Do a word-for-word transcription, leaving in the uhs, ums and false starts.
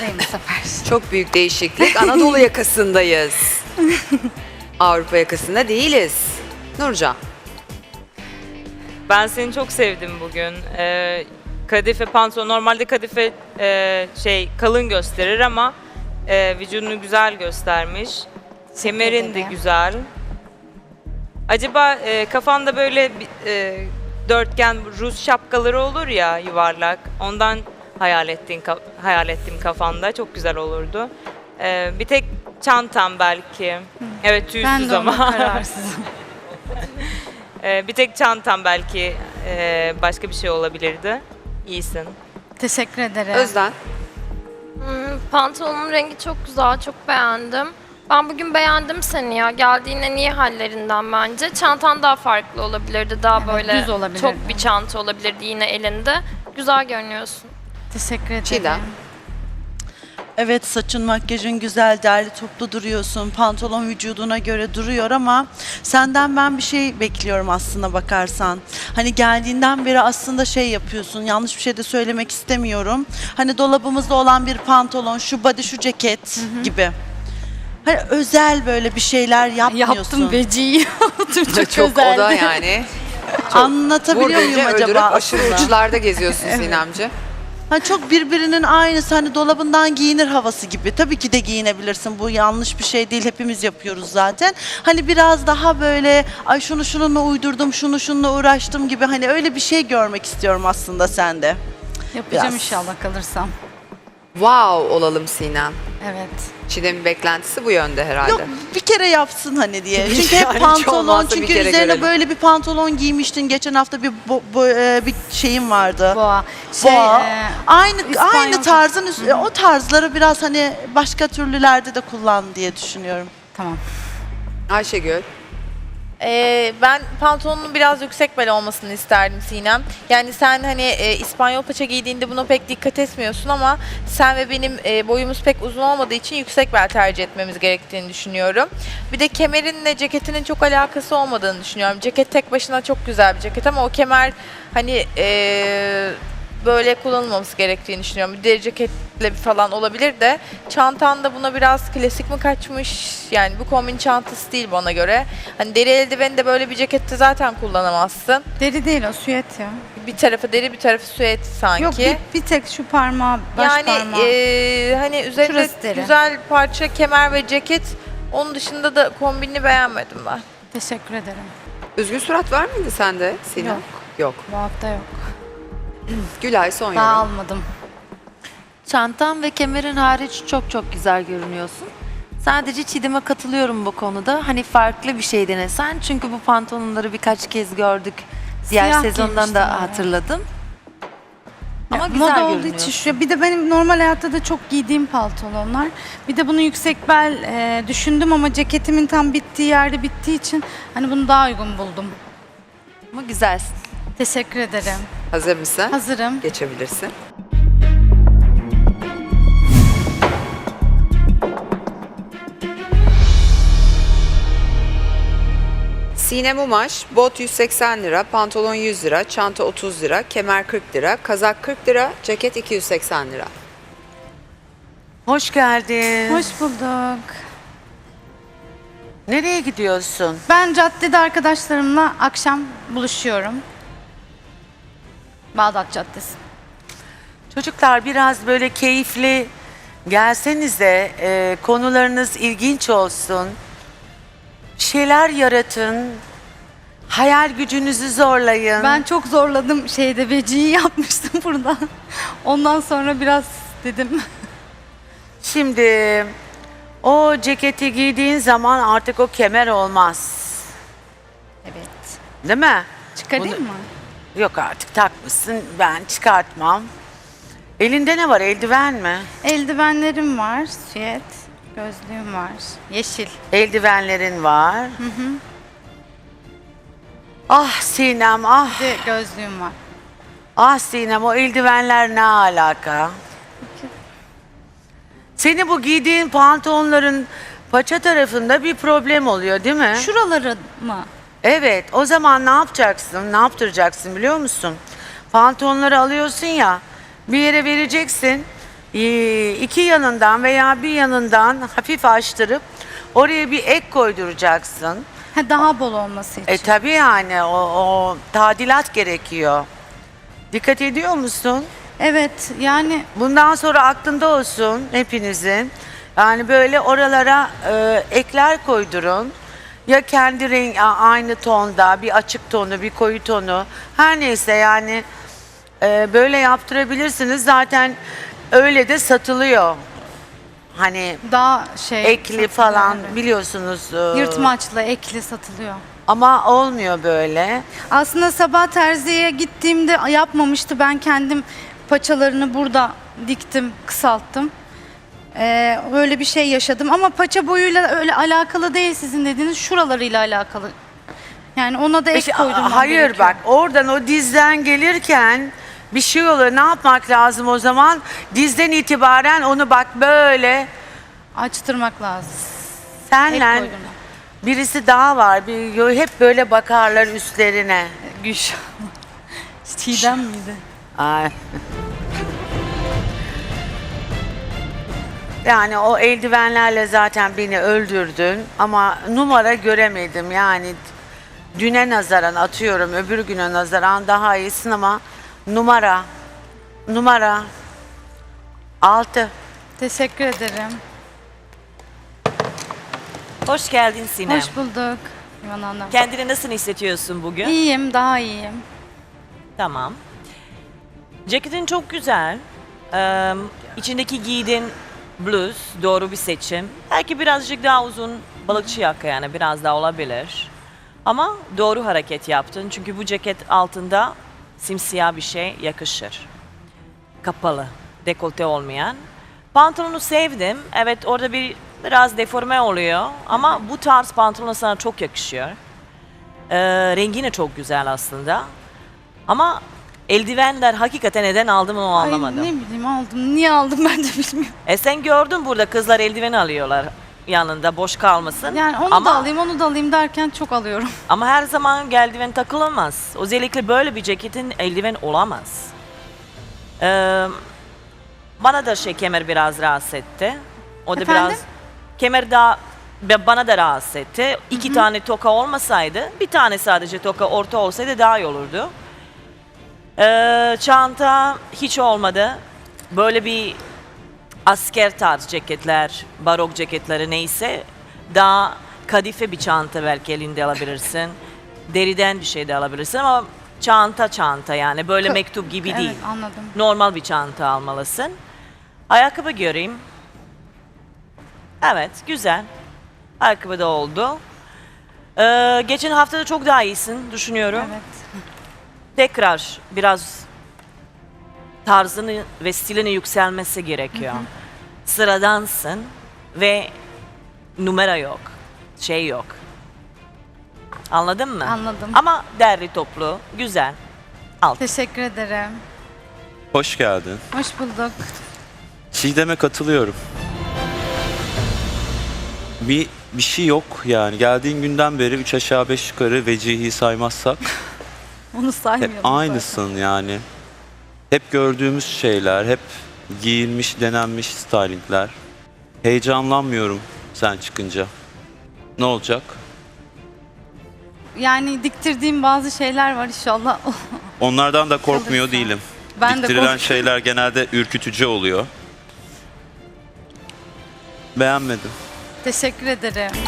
Avrupa'dayım bu sefer. Çok büyük değişiklik. Anadolu yakasındayız. Avrupa yakasında değiliz. Nurcan. Ben seni çok sevdim bugün. Ee, kadife pantolon, normalde kadife e, şey kalın gösterir ama e, vücudunu güzel göstermiş. Kemerin de ederim. güzel. Acaba e, kafanda böyle bir, e, dörtgen Rus şapkaları olur ya, yuvarlak. Ondan hayal ettiğin ka- hayal ettim kafanda. Çok güzel olurdu. Ee, bir tek çantam belki. Evet, Ben tüysüz de ona ama. kararsızım. Ee, bir tek çantam belki e, başka bir şey olabilirdi. İyisin. Teşekkür ederim. Özden. Hmm, pantolonun rengi çok güzel, çok beğendim. Ben bugün beğendim seni ya. Geldiğin en iyi hallerinden bence. Çantan daha farklı olabilirdi. Daha Evet, böyle düz olabilirdi. çok bir çanta olabilirdi yine elinde. Güzel görünüyorsun. Teşekkür ederim. Çiğdem. Evet, saçın makyajın güzel, derli toplu duruyorsun. Pantolon vücuduna göre duruyor ama senden ben bir şey bekliyorum aslına bakarsan. Hani geldiğinden beri aslında şey yapıyorsun. Yanlış bir şey de söylemek istemiyorum. Hani dolabımızda olan bir pantolon, şu body, şu ceket gibi. Hani özel böyle bir şeyler yapmıyorsun. Yaptım veciyi. Yaptım çok, Çok özeldi. o da yani. Anlatabiliyor Vur muyum deyince acaba? öldürüp aşırı aslında? uçlarda geziyorsun Sinemci. Hani çok birbirinin aynısı, hani dolabından giyinir havası gibi. Tabii ki de giyinebilirsin. Bu yanlış bir şey değil. Hepimiz yapıyoruz zaten. Hani biraz daha böyle ay şunu şununla uydurdum, şunu şununla uğraştım gibi, hani öyle bir şey görmek istiyorum aslında sende. Yapacağım Biraz. inşallah kalırsam. Wow olalım Sinem. Evet. Çiğdem'in beklentisi bu yönde herhalde. Yok, bir kere yapsın hani diye. Yani Çünkü hep hiç pantolon, olmazsa bir çünkü kere üzerine görelim. böyle bir pantolon giymiştin. Geçen hafta bir bo- bo- e, bir şeyim vardı. Boğa. Şey, Boğa. e, aynı İspanyol- aynı tarzın üst- o tarzları biraz hani başka türlülerde de kullan diye düşünüyorum. tamam. Ayşegül. Ee, ben pantolonun biraz yüksek bel olmasını isterdim Sinem. Yani sen hani e, İspanyol paça giydiğinde buna pek dikkat etmiyorsun ama sen ve benim e, boyumuz pek uzun olmadığı için yüksek bel tercih etmemiz gerektiğini düşünüyorum. Bir de kemerinle ceketinin çok alakası olmadığını düşünüyorum. Ceket tek başına çok güzel bir ceket ama o kemer hani e, böyle kullanılmaması gerektiğini düşünüyorum. Bir deri ceketle falan olabilir de çantan da buna biraz klasik mi kaçmış? Yani bu kombin çantası değil bana göre. Hani deri eldiveni de böyle bir cekette zaten kullanamazsın. Deri değil o, süet ya. Bir tarafı deri, bir tarafı süet sanki. Yok bir, bir tek şu parmağı, baş yani parmağı. eee, hani üzerinde Şurası deri. güzel parça, kemer ve ceket. Onun dışında da kombinini beğenmedim ben. Teşekkür ederim. Üzgün surat var mıydı sende Sinem? Yok. Yok. Bu hafta yok. Gülay son Daha yorum. almadım. Çantan ve kemerin hariç çok çok güzel görünüyorsun. Sadece Çiğdem'e katılıyorum bu konuda. Hani farklı bir şey denesen. Çünkü bu pantolonları birkaç kez gördük. Diğer Siyah sezondan giymiştim da ben. hatırladım. Ama Ya, güzel moda olduğu görünüyorsun. için şu. Bir de benim normal hayatta da çok giydiğim pantolonlar. Bir de bunu yüksek bel e, düşündüm ama ceketimin tam bittiği yerde bittiği için hani bunu daha uygun buldum. Ama güzelsin. Teşekkür ederim. Hazır mısın? Hazırım. Geçebilirsin. Sinem Umaş, bot yüz seksen lira, pantolon yüz lira, çanta otuz lira, kemer kırk lira, kazak kırk lira, ceket iki yüz seksen lira. Hoş geldin. Hoş bulduk. Nereye gidiyorsun? Ben caddede arkadaşlarımla akşam buluşuyorum. Bağdat Caddesi. Çocuklar biraz böyle keyifli gelsenize. e, konularınız ilginç olsun. Bir şeyler yaratın. Hayal gücünüzü zorlayın. Ben çok zorladım şeyde, veciyi yapmıştım burada. Ondan sonra biraz dedim. Şimdi o ceketi giydiğin zaman artık o kemer olmaz. Evet. Değil mi? Çıkarayım Bunu- mı? Yok artık takmışsın. Ben çıkartmam. Elinde ne var? Eldiven mi? Eldivenlerim var, süet. Gözlüğüm var. Yeşil. Eldivenlerin var. Ah Sinem ah. Bir de gözlüğüm var. Ah Sinem, o eldivenler ne alaka? Senin bu giydiğin pantolonların paça tarafında bir problem oluyor değil mi? Şuraları mı? Evet, o zaman ne yapacaksın? Ne yaptıracaksın biliyor musun? Pantolonları alıyorsun ya, bir yere vereceksin. Ee, iki yanından veya bir yanından hafif açtırıp oraya bir ek koyduracaksın. Ha, daha bol olması için. E tabii yani o, o tadilat gerekiyor. Dikkat ediyor musun? Evet, yani Bundan sonra aklında olsun hepinizin. Yani böyle oralara e, ekler koydurun. Ya kendi renk a- aynı tonda bir açık tonu, bir koyu tonu. Her neyse yani e, böyle yaptırabilirsiniz. Zaten öyle de satılıyor. Hani daha şey... ekli satılıyor, falan evet. biliyorsunuz. e, Yırtmaçlı, ekli satılıyor. Ama olmuyor böyle. Aslında sabah terziye gittiğimde yapmamıştı. Ben kendim paçalarını burada diktim, kısalttım. Ee, öyle bir şey yaşadım. Ama paça boyuyla öyle alakalı değil sizin dediğiniz. Şuralarıyla alakalı. Yani ona da ek İşte, koydurmam hayır gerekiyor. bak oradan o dizden gelirken bir şey oluyor. Ne yapmak lazım o zaman? Dizden itibaren onu bak böyle Açtırmak lazım. Ek senle koydurmak. birisi daha var. Bir, hep böyle bakarlar üstlerine. Güç. Çiğdem miydi? Ay. Yani o eldivenlerle zaten beni öldürdün ama numara göremedim yani düne nazaran atıyorum öbür güne nazaran daha iyisin ama numara numara altı. Teşekkür ederim. Hoş geldin Sinem. Hoş bulduk İvan Hanım. Kendini nasıl hissediyorsun bugün? İyiyim, daha iyiyim. Tamam. Ceketin çok güzel. Ee, içindeki giydiğin bluz doğru bir seçim. Belki birazcık daha uzun balıkçı yaka yani biraz daha olabilir. Ama doğru hareket yaptın çünkü bu ceket altında simsiyah bir şey yakışır. Kapalı, dekolte olmayan. Pantolonu sevdim. Evet orada bir biraz deforme oluyor ama bu tarz pantolon sana çok yakışıyor. Ee, rengi de çok güzel aslında. Ama eldivenler hakikaten neden aldım onu anlamadım. Ay, ne bileyim aldım. Niye aldım ben de bilmiyorum. E sen gördün burada kızlar eldiven alıyorlar yanında boş kalmasın. Yani onu ama, da alayım, onu da alayım derken çok alıyorum. Ama her zaman eldiven takılamaz. Özellikle böyle bir ceketin eldiven olamaz. Ee, bana da şey kemer biraz rahatsız etti. O da Efendim? biraz kemer daha ve bana da rahatsız etti. İki tane toka olmasaydı, bir tane sadece toka orta olsaydı daha iyi olurdu. Ee, çanta hiç olmadı. Böyle bir asker tarz ceketler, barok ceketleri neyse daha kadife bir çanta belki elinde alabilirsin. Deriden bir şey de alabilirsin ama çanta çanta yani böyle Ka- mektup gibi Evet, değil. anladım. Normal bir çanta almalısın. Ayakkabı göreyim. Evet, güzel. Ayakkabı da oldu. Ee, geçen hafta da çok daha iyisin düşünüyorum. Evet. Tekrar biraz tarzını ve stilini yükselmesi gerekiyor. Sıradansın ve numara yok, şey yok. Anladın mı? Anladım. Ama derli toplu, güzel. Alt. Teşekkür ederim. Hoş geldin. Hoş bulduk. Çiğdem'e katılıyorum. Bir bir şey yok yani. Geldiğin günden beri üç aşağı beş yukarı vecihi saymazsak Onu hep saymıyorum. zaten. aynısın yani. Hep gördüğümüz şeyler, hep giyilmiş, denenmiş stylingler. Heyecanlanmıyorum sen çıkınca. Ne olacak? Yani diktirdiğim bazı şeyler var inşallah. Onlardan da korkmuyor Kalırsa. değilim. Ben de Diktirilen korkuyorum. şeyler genelde ürkütücü oluyor. Beğenmedim. Teşekkür ederim.